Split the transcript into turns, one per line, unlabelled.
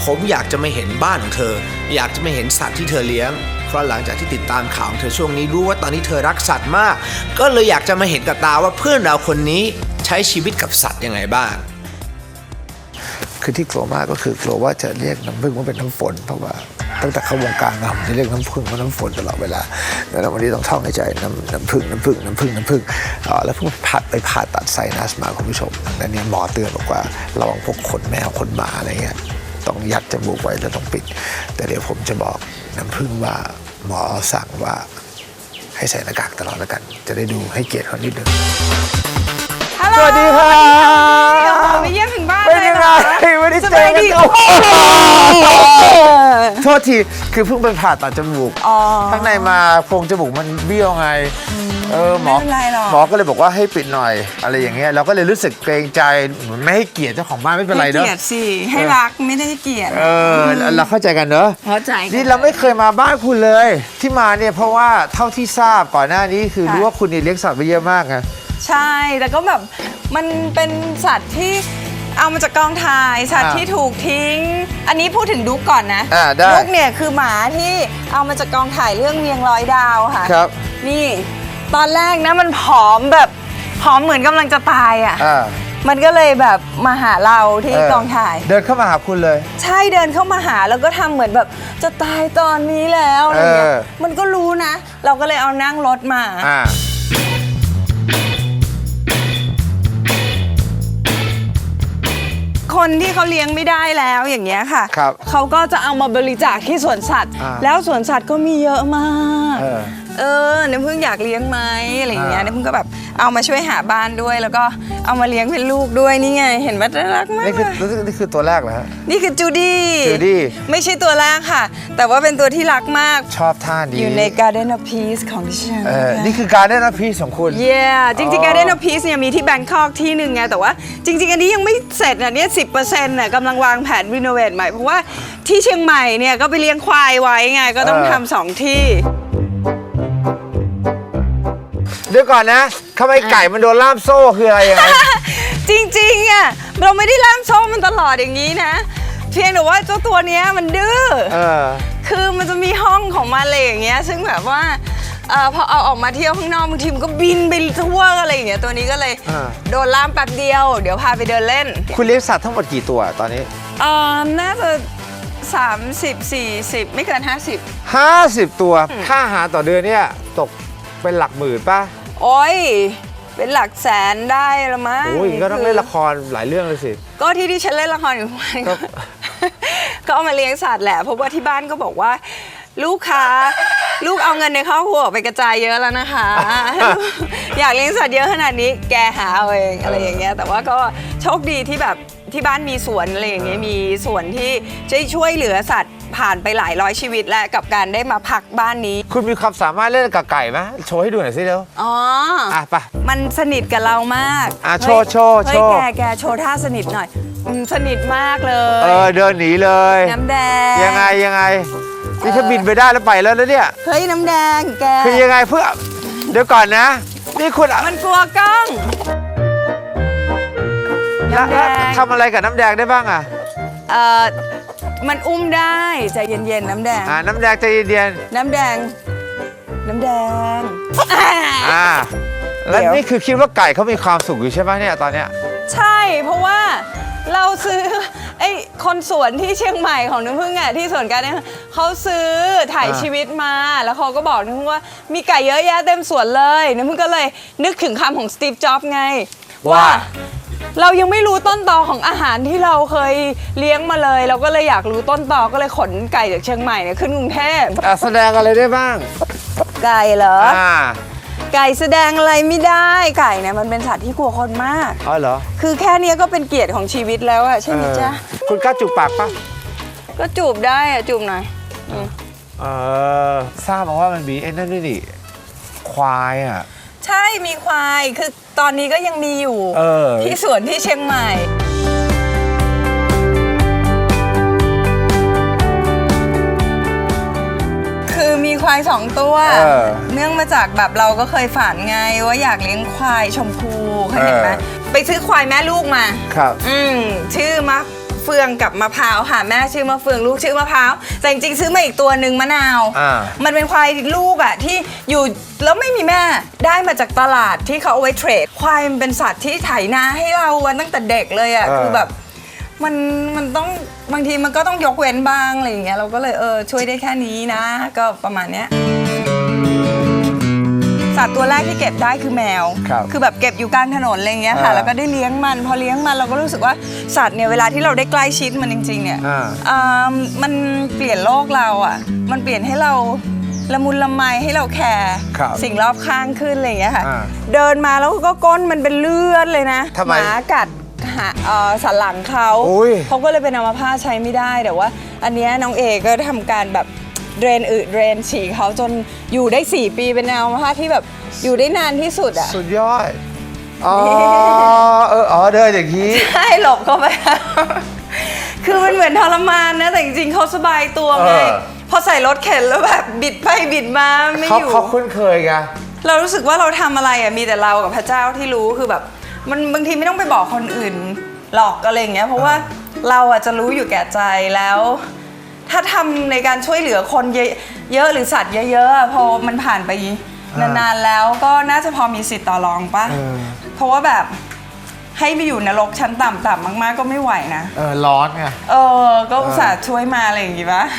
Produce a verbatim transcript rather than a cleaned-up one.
ผมอยากจะมาเห็นบ้านของเธออยากจะมาเห็นสัตว์ที่เธอเลี้ยงเพราะหลังจากที่ติดตามข่าวของเธอช่วงนี้รู้ว่าตอนนี้เธอรักสัตว์มากก็เลยอยากจะมาเห็นกับตาว่าเพื่อนเราคนนี้ใช้ชีวิตกับสัตว์ยังไงบ้างคือที่กลัวมากก็คือกลัวว่าจะเรียกน้ำผึ้งว่าเป็นน้ำฝนเพราะว่าตั้งแต่เข้าวงการมาจะเรียกน้ำผึ้งว่าน้ำฝนตลอดเวลาแล้ววันนี้ต้องท่องในใจน้ำน้ำผึ้งน้ำผึ้งน้ำผึ้งน้ำผึ้งแล้วเพิ่งผ่าไปผ่าตัดไซนัสมาคุณผู้ชมดังนั้นหมอเตือนบอกว่าระวังพวกขนแมวขนหมาอะไรเงี้ยต้องยัดจมูกไว้แล้วต้องปิดแต่เดี๋ยวผมจะบอกน้ำผึ้งว่าหมอสั่งว่าให้ใส่หน้ากากตลอดแล้วกันจะได้ดูให้เกียรติเขานิดนึงสวัสดีค่ะ
ไม่เยี่ยมถึงบ้าน
เป็นยังไงไม่ได้เจอกันโทษทีคือเพิ่งไปผ่าตัดจมูกข้างในมาโพรงจมูกมันเบี้ยวไงเออหมอหมอก็เลยบอกว่าให้ปิดหน่อยอะไรอย่างเงี้ยเราก็เลยรู้สึกเกรงใจไม่ให้เกียรติเจ้าของบ้านไม่เป็นไรเนอะ
เกียรติสิให้รักไม่ได้เกียรติ
เออเราเข้าใจกันเนอะ
เข้าใจ
นี่เราไม่เคยมาบ้านคุณเลยที่มาเนี่ยเพราะว่าเท่าที่ทราบก่อนหน้านี้คือรู้ว่าคุณนี่เลี้ยงสัตว์ไปเยอะมากไง
ใช่แต่ก็แบบมันเป็นสัตว์ที่เอามาจากกองถ่ายสัตว์ที่ถูกทิ้งอันนี้พูดถึงดุ๊กก่อนนะดุ๊กเนี่ยคือหมาที่เอามาจากกองถ่ายเรื่องเวียงร้อยดาวค่ะ
ครับ
นี่ตอนแรกนะมันผอมแบบผอมเหมือนกำลังจะตายอ่ะมันก็เลยแบบมาหาเราที่กองถ่าย
เดินเข้ามาหาคุณเลย
ใช่เดินเข้ามาหาแล้วก็ทำเหมือนแบบจะตายตอนนี้แล้วอะไรเงี้ยมันก็รู้นะเราก็เลยเอานั่งรถมาคนที่เขาเลี้ยงไม่ได้แล้วอย่างเงี้ยค่ะเขาก็จะเอามาบริจาคที่สวนสัตว์แล้วสวนสัตว์ก็มีเยอะมากเออน้ำพึ่งอยากเลี้ยงไหมอะไรอย่างเงี้ยน้ำพึ่งก็แบบเอามาช่วยหาบ้านด้วยแล้วก็เอามาเลี้ยงเป็นลูกด้วยนี่ไงเห็นว่าน่ารักมาก
นี่คือนี่คือตัวแรกเหรอฮะ
นี่คือจูดี้
จูดี้
ไม่ใช่ตัวแรกค่ะแต่ว่าเป็นตัวที่รักมาก
ชอบท่าดี
อยู่ใน Garden of Peace ของดิฉัน
นี่คือ Garden of Peace ของคุณ
yeah จริงๆ Garden of Peace เนี่ยมีที่แบงคอกที่หนึ่งไงแต่ว่าจริงๆอันนี้ยังไม่เสร็จนะเนี่ย สิบเปอร์เซ็นต์ น่ะกำลังวางแผนรีโนเวทใหม่เพราะว่าที่เชียงใหม่เนี่ยก็ไปเลี้ยงควายไว้ไงก็ต้องทำสองที่
เดี๋ยวก่อนนะทำไมไก่มันโดนล่ามโซ่คืออะไรยังไง
จริงๆอ่ะเราไม่ได้ล่ามโซ่มันตลอดอย่างนี้นะเพียงแต่ว่าเจ้าตัวเนี้ยมันดื้อคือมันจะมีห้องของมันอะไรอย่างเงี้ยซึ่งแบบว่าพอเอาออกมาเที่ยวข้างนอกบางทีมันก็บินไปทั่วอะไรอย่างเงี้ยตัวนี้ก็เลยโดนล่ามแป๊บเดียวเดี๋ยวพาไปเดินเล่น
คุณเลี้ยงสัตว์ทั้งหมดกี่ตัวตอนนี้
เออน่าจะสามสิบ สี่สิบไม่เกินห้าสิบ
ห้าสิบตัวค่าอาหารต่อเดือนเนี่ยตกเป็นหลักหมื่นป่ะ
โอ้ยเป็นหลักแสนได้ละมั้ง
โอ้ยก็ต้องเล่นละครหลายเรื่องเลยสิ
ก็ที่ที่ฉันเล่นละครอยู่ก็ก็เอามาเลี้ยงสัตว์แหละเพราะว่าที่บ้านก็บอกว่าลูกค้าลูกเอาเงินในครอบครัวไปกระจายเยอะแล้วนะคะอยากเลี้ยงสัตว์เยอะขนาดนี้แกหาเอาเองอะไรอย่างเงี้ยแต่ว่าก็โชคดีที่แบบที่บ้านมีสวนอะไรอย่างเงี้ยมีสวนที่จะช่วยเหลือสัตว์ผ่านไปหลายร้อยชีวิตแล้วกับการได้มาพักบ้านนี้
คุณมีความสามารถเล่นกับไก่ไหมโชว์ให้ดูหน่อยสิเร็ว
อ๋อ
อ่ะปะ
มันสนิทกับเรามาก
อ่ะโชว์โชว์โชว์
แกแกโชว์ท่าสนิทหน่อยสนิทมากเลย
เออเดินหนีเลย
น้ำแดง
ยังไงยังไงนี่ถ้าบินไปได้แล้วไปแล้วนะเนี่ย
เฮ้ยน้ำแดงแก
คือยังไงเพื่อเดี๋ยวก่อนนะนี่คุณ
มันกลัวกล้อง
แล้วทำอะไรกับน้ำแดงได้บ้างอ่ะ
เออมันอุ้มได้ใจเย็นๆน้ำแดง
อ่าน้ำแดงใจเย็น
ๆน้ำแดงน้ำแดง
อ่าแล้วนี่คือคิดว่าไก่เขามีความสุขอยู่ใช่ไหมเนี่ยตอนเนี้ย
ใช่เพราะว่าเราซื้อไอ้คนสวนที่เชียงใหม่ของน้ำผึ้งอ่ะที่สวนกันเนี่ยเขาซื้อถ่ายชีวิตมาแล้วเขาก็บอกน้ำผึ้งว่ามีไก่เยอะแยะเต็มสวนเลยน้ำผึ้งก็เลยนึกถึงคำของสตีฟจ็อบส์ไงว่าเรายังไม่รู้ต้นตอของอาหารที่เราเคยเลี้ยงมาเลยเราก็เลยอยากรู้ต้นตอก็เลยขนไก่จากเชียงใหม่เนี่ยขึ้นกรุงเทพ
แสดงอะไรได้บ้าง
ไก่เหรอไก่แสดงอะไรไม่ได้ไก่เนี่ยมันเป็นสัตว์ที่กลัวคนมาก
อ๋อเหรอ
คือแค่นี้ก็เป็นเกียรติของชีวิตแล้วอะใช่ไหมจ๊ะ
คุณกล้าจูบปากปะ
ก็จูบได้อะจูบหน่อย
เออทราบมาว่ามันมีไอ้นั่นด้วยดิควายอะ
ใช่มีควายคือตอนนี้ก็ยังมีอยู่ที่สวนที่เชียงใหม่คือมีควายสองตัวเนื่องมาจากแบบเราก็เคยฝันไงว่าอยากเลี้ยงควายชมพูเคยเห็นไหมไปซื้อควายแม่ลูกมา
ครับ
อืมชื่อมัฟเฟืองกับมะพร้าวค่ะแม่ชื่อมะเฟืองลูกชื่อมะพร้าวแต่จริงๆซื้อมาอีกตัวหนึ่งมะนาว
อ่า
มันเป็นควายลูกอะที่อยู่แล้วไม่มีแม่ได้มาจากตลาดที่เขาเอาไว้เทรดควายมันเป็นสัตว์ที่ไถนาให้เราวันตั้งแต่เด็กเลยอะคือแบบมันมันต้องบางทีมันก็ต้องยกเว้นบ้างอะไรอย่างเงี้ยเราก็เลยเออช่วยได้แค่นี้นะ ก็ประมาณเนี้ยสัตว์ตัวแรกที่เก็บได้คือแมว
ครับ
คือแบบเก็บอยู่กลางถนนอะไรอย่างเงี้ยค่ะ
อ่า
แล้วก็ได้เลี้ยงมันพอเลี้ยงมันเราก็รู้สึกว่าสัตว์เนี่ยเวลาที่เราได้ใกล้ชิดมันจริงๆเนี่ย
อ่า
อ่ามันเปลี่ยนโลกเราอ่ะมันเปลี่ยนให้เราละมุนละไมให้เราแคร์
ครับ
สิ่งรอบข้างขึ้นอะไรอย่างเงี้ยค่ะ
อ่า
เดินมาแล้วก็ก้นมันเป็นเลือดเลยนะ
ทำไม
หมากัดหาเอ่อสันหลังเขา
อุ๊ย
เขาก็เลยเป็นอัมพาตใช้ไม่ได้แต่ว่า อันเนี้ยน้องเอก็ทำการแบบเดรนอึเดรนฉี่เขาจนอยู่ได้สี่ปีเป็นอัมพาตที่แบบอยู่ได้นานที่สุดอ่ะ
สุดยอด อ๋อ เออ อ๋อ เดินอย่างนี้
ใช่หลบเข้าไป คือมันเหมือนทรมานนะแต่จริงๆเขาสบายตัวไง
เออ
พอใส่รถเข็นแล้วแบบบิดไปบิดมาไม่
เขา
อยู่
เขาคุ้นเคยไง
เรารู้สึกว่าเราทำอะไรอ่ะมีแต่เรากับพระเจ้าที่รู้คือแบบมันบางทีไม่ต้องไปบอกคนอื่นหรอกอะไรอย่างเงี้ยเพราะว่าเราอ่ะจะรู้อยู่แก่ใจแล้ว ถ้าทำในการช่วยเหลือคนเยอะเยอะหรือสัตว์เยอะๆอะพอมันผ่านไปนานๆแล้วก็น่าจะพอมีสิทธิ์ต่อรองปะ
เออ
เพราะว่าแบบให้ไปอยู่นรกชั้นต่ำๆมากๆก็ไม่ไหวนะ
เออ ร้อนไง
เออ ก็อุตส่าห์ช่วยมาอะไรอย่างงี้ปะ